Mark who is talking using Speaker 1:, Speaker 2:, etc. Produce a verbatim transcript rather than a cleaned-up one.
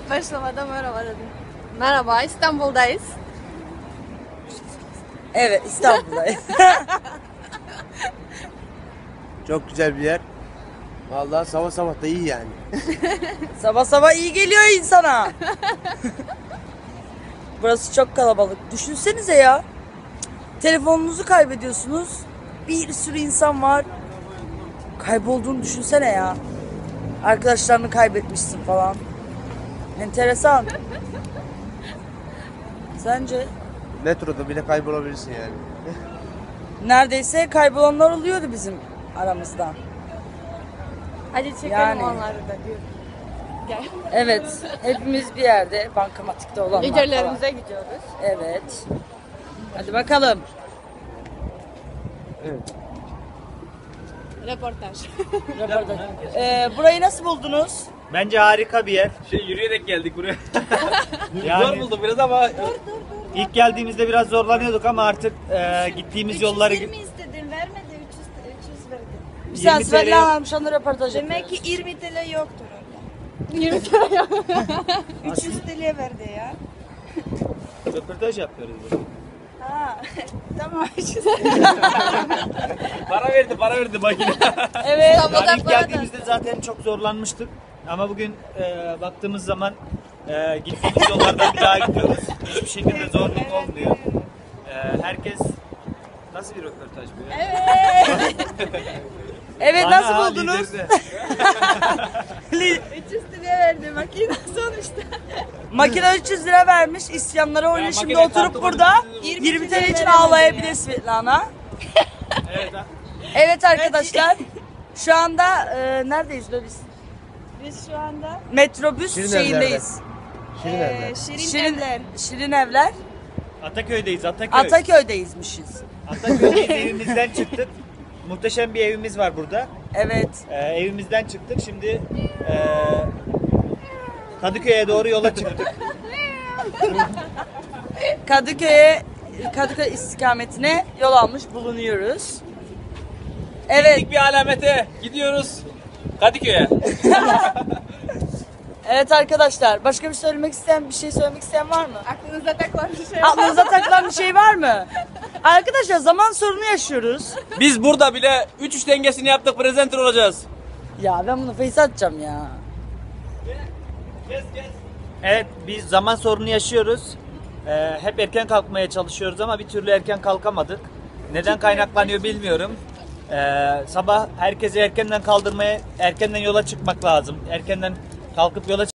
Speaker 1: Başlamadan merhaba dedim. Merhaba, İstanbul'dayız.
Speaker 2: Evet, İstanbul'dayız.
Speaker 3: Çok güzel bir yer. Vallahi sabah sabah da iyi yani.
Speaker 2: Sabah sabah iyi geliyor insana. Burası çok kalabalık. Düşünsenize ya. Telefonunuzu kaybediyorsunuz. Bir sürü insan var. Kaybolduğunu düşünsene ya. Arkadaşlarını kaybetmişsin falan. Enteresan. Sence?
Speaker 3: Metroda bile kaybolabilirsin yani.
Speaker 2: Neredeyse kaybolanlar oluyordu bizim aramızda.
Speaker 1: Hadi çekelim
Speaker 2: Yani.
Speaker 1: onları da diyor. Gel.
Speaker 2: Evet, hepimiz bir yerde bankamatikte olanlar falan.
Speaker 1: Liderlerimize gidiyoruz.
Speaker 2: Evet. Hadi bakalım.
Speaker 3: Evet.
Speaker 1: Reportaj.
Speaker 2: Ee, burayı nasıl buldunuz?
Speaker 4: Bence harika bir yer.
Speaker 5: Şey yürüyerek geldik buraya.
Speaker 4: Yani
Speaker 5: Zor buldum biraz ama
Speaker 4: ilk geldiğimizde biraz zorlanıyorduk ama artık e, gittiğimiz yolları
Speaker 6: üç yüz yirmi istedim, vermedi, üç yüz, üç yüz verdi.
Speaker 2: Bir sen
Speaker 4: yirmi
Speaker 2: Svelli
Speaker 4: T L
Speaker 2: Hanım şu anda röportaj
Speaker 6: Demek
Speaker 2: yapıyoruz.
Speaker 6: ki yirmi T L yoktur orada.
Speaker 1: yirmi lira.
Speaker 6: üç yüz T L verdi ya.
Speaker 4: röportaj yapıyoruz. burada.
Speaker 6: Ha, tamam.
Speaker 5: para verdi para verdi makine.
Speaker 2: Evet.
Speaker 4: Yani ilk geldiğimizde zaten çok zorlanmıştık. Ama bugün e, baktığımız zaman e, gittiğimiz yollardan bir daha gidiyoruz. Hiçbir şekilde zorluk olmuyor. E, herkes nasıl bir röportaj bu ya?
Speaker 2: Evet
Speaker 4: Bana
Speaker 2: nasıl
Speaker 4: ha,
Speaker 2: buldunuz?
Speaker 4: liderine.
Speaker 6: üç yüz T L verdi makine sonuçta.
Speaker 2: Makine üç yüz lira vermiş. İsyanlara oynuyor. Şimdi
Speaker 5: makine
Speaker 2: oturup
Speaker 5: kartı
Speaker 2: burada
Speaker 5: var.
Speaker 2: yirmi T L için ağlayabilir Svetlana.
Speaker 4: Evet, ha.
Speaker 2: Evet arkadaşlar. Şu anda e, neredeyiz be biz?
Speaker 6: Biz şu anda
Speaker 2: Metrobüs
Speaker 3: Şirin
Speaker 2: şeyindeyiz.
Speaker 3: Şirin
Speaker 6: e,
Speaker 3: evler.
Speaker 6: Şirin,
Speaker 2: Şirin,
Speaker 6: Evler.
Speaker 2: Şirin Evler.
Speaker 4: Ataköy'deyiz Ataköy.
Speaker 2: Ataköy'deyizmişiz.
Speaker 4: Ataköy'deyiz, evimizden çıktık. Muhteşem bir evimiz var burada.
Speaker 2: Evet.
Speaker 4: Ee, evimizden çıktık. Şimdi e, Kadıköy'e doğru yola çıktık.
Speaker 2: Kadıköy'e Kadıköy istikametine yol almış bulunuyoruz. Evet.
Speaker 5: Gittik bir alamete gidiyoruz Kadıköy'e.
Speaker 2: Evet arkadaşlar. Başka bir söylemek isteyen, bir şey söylemek isteyen var mı?
Speaker 6: Aklınıza takılan bir şey.
Speaker 2: Aklınıza takılan bir şey var mı? Arkadaşlar zaman sorunu yaşıyoruz.
Speaker 5: Biz burada bile üç üç dengesini yaptık, presenter olacağız.
Speaker 2: Ya ben bunu face atacağım ya.
Speaker 4: Evet, biz zaman sorunu yaşıyoruz. Ee, hep erken kalkmaya çalışıyoruz ama bir türlü erken kalkamadık. Neden kaynaklanıyor bilmiyorum. Ee, sabah herkesi erkenden kaldırmaya, erkenden yola çıkmak lazım. Erkenden kalkıp yola